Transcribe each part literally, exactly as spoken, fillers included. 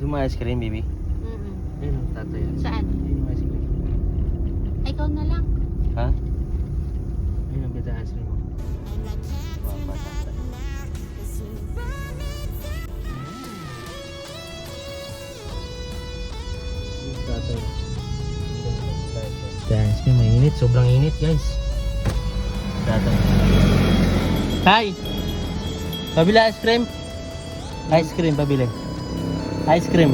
Gusto mo ice cream, baby? Mm-mm. Ayun, tatay. Saan? Ayun, ice cream. Ay, ikaw na lang. Ha? Ayun, ang bita ice cream mo. Papa, tatay. Tatay. Ice cream, mainit. Sobrang init, guys. Tatay. Hi! Pabili ice cream? Ice cream, pabili. Ice cream.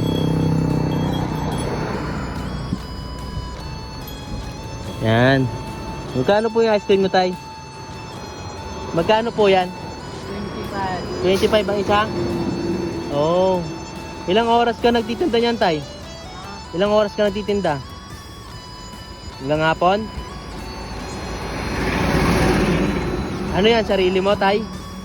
Yan. Magkano po yung ice cream mo, tay? Magkano po yan? twenty-five. twenty-five ang isa? Oh. Ilang oras ka nagtitinda niyan, tay? Ilang oras ka nagtitinda? Ilang hapon? Ano yan? Sarili mo, tay?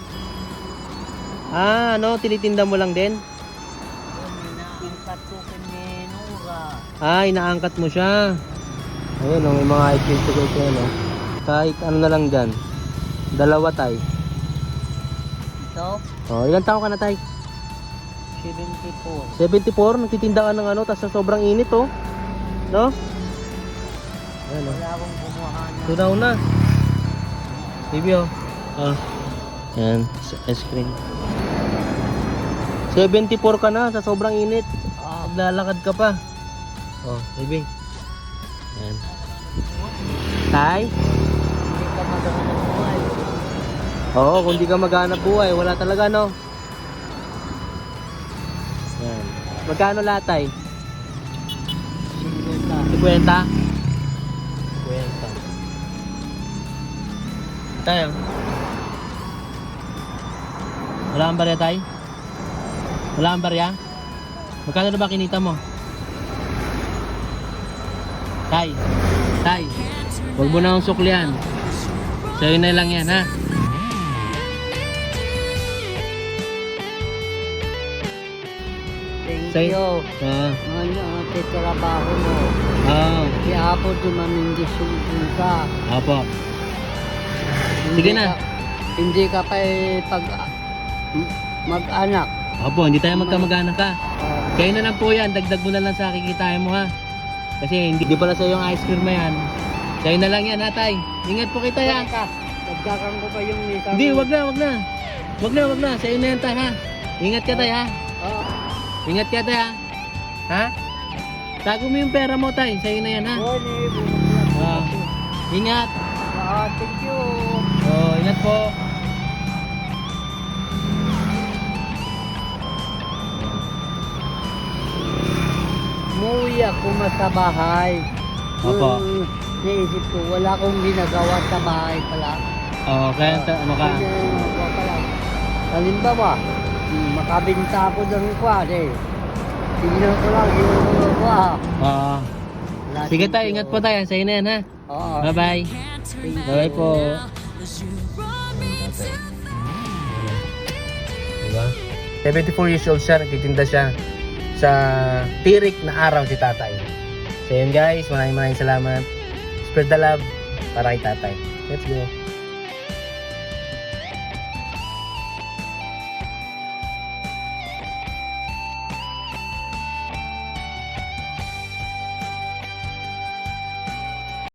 Ah, ano? Tinitinda mo lang din? Inaangkat ko kay Nora. Ah, inaangkat mo siya. Ayun, oh, may mga ice cream to guys yan, oh. Kahit ano na lang dyan. Dalawa, tay. Ito? Oh, ilang taon ka na, tay? seventy-four. seventy-four, nagtitinda ka ng ano, tapos sa sobrang init, oh. No? Ayan, oh. Wala akong kumuha na. Tunaw na. Baby, oh. Ah. Yan, ice cream. seventy-four ka na sa sobrang init. Ah, Maglalakad ka pa. Oh, baby. Yan. Tay? hindi ka magandang buhay. Oo, kung di ka maghanap buhay, wala talaga, no? Yan. Magkano lahat, tay? fifty. fifty? fifty. Tayo. Wala kang barya, tay? Wala kang barya? Magkano na ba kinita mo? Tay, tay, huwag mo na akong suklian. Sa'yo na lang yan, ha? Thank Say- you. Ah, Ano, titrabaho mo. ah, Kaya ako dumamindisyon ka. apo. Sige na. Ka- hindi ka pa eh pag mag-anak. Apo, hindi tayo magkamag-anak ka. Ah, Kayo na lang po yan, dagdag mo na lang sa kikitain mo, ha? Kasi hindi, hindi pala sa'yo yung ice cream na yan. Sa'yo na lang yan, ha, tay? Ingat po kita, ya. ka. Dagdagan ko pa yung isang... Hindi, wag na, wag na. Wag na, wag na. Sa'yo na yan, tay, ha? Ingat ka, tay, ha? Ah, Ingat ka, tay, ha? Ha? Tago mo yung pera mo, tay. Sa'yo na yan, ha? oh, ni, bumaglag ko Ah. kasi. Ingat. Ah, thank you. Oh, ingat po. Umuwi ako mas sa bahay. Opo. Yung naisip ko, wala akong ginagawa sa bahay pala. Oh, kaya ta- ano ka? Hindi na ginagawa pala. Halimbawa, hmm, makabinta ako ng kwan eh. Tingnan ko lang yung mga kwa. Oo. Wala, Sige, thank tay. you. Ingat po, tay. Sa'yo na yan, ha? Oo. Bye-bye. Thank you. Bye po. Diba? seventy-four years old siya, nagtitinda siya sa tirik na araw si tatay. So yun guys, maraming maraming salamat. Spread the love para kay tatay. Let's go.